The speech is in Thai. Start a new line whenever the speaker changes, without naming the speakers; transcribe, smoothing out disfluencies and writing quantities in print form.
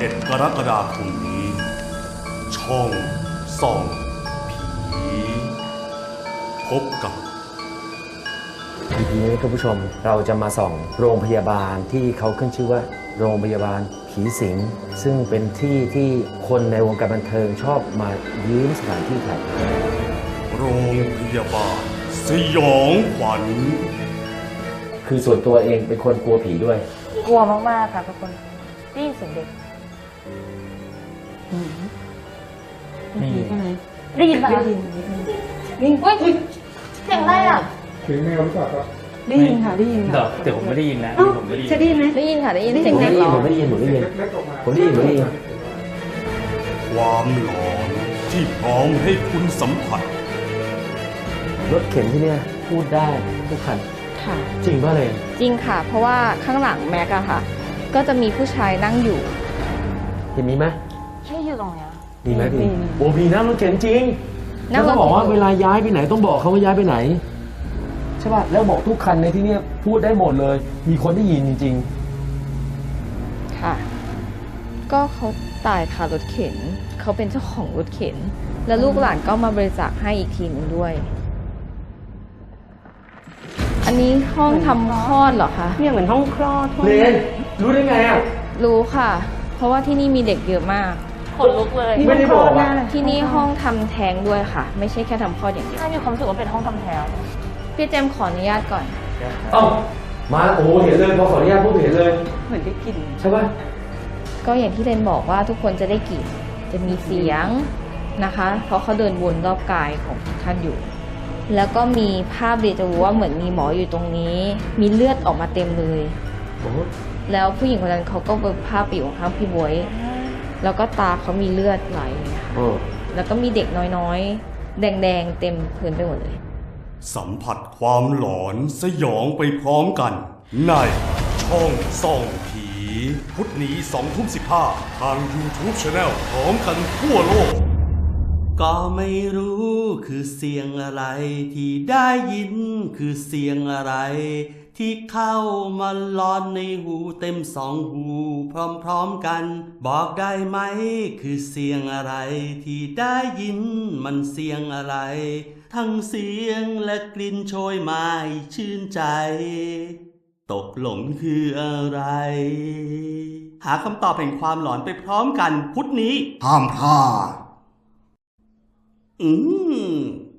11 กรกฎาคมนี้ ช่องส่องผี พบกับ
ทีนี้คุณผู้ชมเราจะมาส่องโรงพยาบาลที่เขาขึ้นชื่อว่าโรงพยาบาลผีสิงซึ่งเป็นที่ที่คนในวงการบันเทิงชอบมายืมสถานที่ถ่ายทำ
โรงพยาบาลสยองขวัญ
คือส่วนตัวเองเป็นคนกลัวผีด้วย
กลัวมากๆค่ะทุกคนได้ยินเสียงเด็ก
มีใช่ไหม
ได้ยินปะ
ได้
คะ
ยินนิดนึง
เฮ้ยเสียงอะไรอ่ะ
เสียงแมวหรือเปล่าครับ
ได้ยินค่ะได้ยิน
เดี๋ย
ค่ะ
วแต่ผมไม่ได้ยินนะ
เอ้า
ผมไม่ได้ยิน
จะได้ยินไหม
ได้ยินค่ะได้ยิน
ได้ยิน
เสียงเด็กเหรอ
ผมไม่ได้ยินผมไม่ได้ยิน
เล็กๆออกมา
ผมได้ยินผมได้ยิน
ความหลอนที่พร้อมให้คุณสัมผัส
รถเข็นที่เนี่ยพูดได้ทุกคัน
ค่ะ
จริงป่ะเลย
จริงค่ะ เพราะว่าข้างหลังแม็กอะค่ะ ก็จะมีผู้ชายนั่งอยู่
เห็นมีไหม
ใช่อยู่ตรงเนี้ย
มีไหมพี่โอ้พี่นั่งรถเข็นจริง
นั่
แล้ว
งรถเข็น
ก็บอกว่าเวลาย้ายไปไหนต้องบอกเขาว่าย้ายไปไหนใช่ป่ะแล้วบอกทุกคันในที่เนี่ยพูดได้หมดเลย มีคนได้ยินจริง
ค่ะ ก็เขาตายคารถเข็น เขาเป็นเจ้าของรถเข็น แล้วลูกหลานก็มาบริจาคให้อีกทีหนึงด้วย อันนี้ห้องทำคลอดเหรอคะ
เนี่ยเหมือนห้องคลอด
ๆเรนรู้ได้ไงอ่ะ
รู้ค่ะ เพราะว่าที่นี่มีเด็กเยอะมากขนลุกเลย
ไม่ได้บอกอะ
ที่นี่ห้องทำแท้งด้วยค่ะ ไม่ใช่แค่ทำคลอดอย่างเดียวมีความรู้สึกว่าเป็นห้องทำแท้งพี่เจมส์ขออนุญาตก่อน
เอ้ามาโอ้เห็นเลยพอขออนุญาตพูดเห็นเลย
เหมือนได้กลิ่น
ใช่ป่ะ
ก็อย่างที่เรนบอกว่าทุกคนจะได้กลิ่นจะมีเสียงนะคะ เพราะเขาเดินวนรอบกายของท่านอยู่ แล้วก็มีภาพเดจาวูว่าเหมือนมีหมออยู่ตรงนี้ มีเลือดออกมาเต็มเลย
โอ้
แล้วผู้หญิงคนนั้นเขาก็เบิกภาพไปอยู่ข้างพี่บวยแล้วก็ตาเขามีเลือดไหลค่ะ
โอ้
แล้วก็มีเด็กน้อยๆ แดงๆ เต็มพื้นไปหมดเลย
สัมผัสความหลอนสยองไปพร้อมกัน ในช่องส่องผี พุธนี้20:15ทาง YouTube Channel พร้อมกันทั่วโลก
ก็ไม่รู้คือเสียงอะไรที่ได้ยินคือเสียงอะไร ที่เข้ามาล้อนในหูเต็มสองหูพร้อมๆกัน บอกได้ไหมคือเสียงอะไรที่ได้ยินมันเสียงอะไร ทั้งเสียงและกลิ่นโชยมาให้ชื่นใจ ตกหลงคืออะไร หาคำตอบแห่งความหลอนไปพร้อมกันพุธนี้
ห้ามพลาด
อืม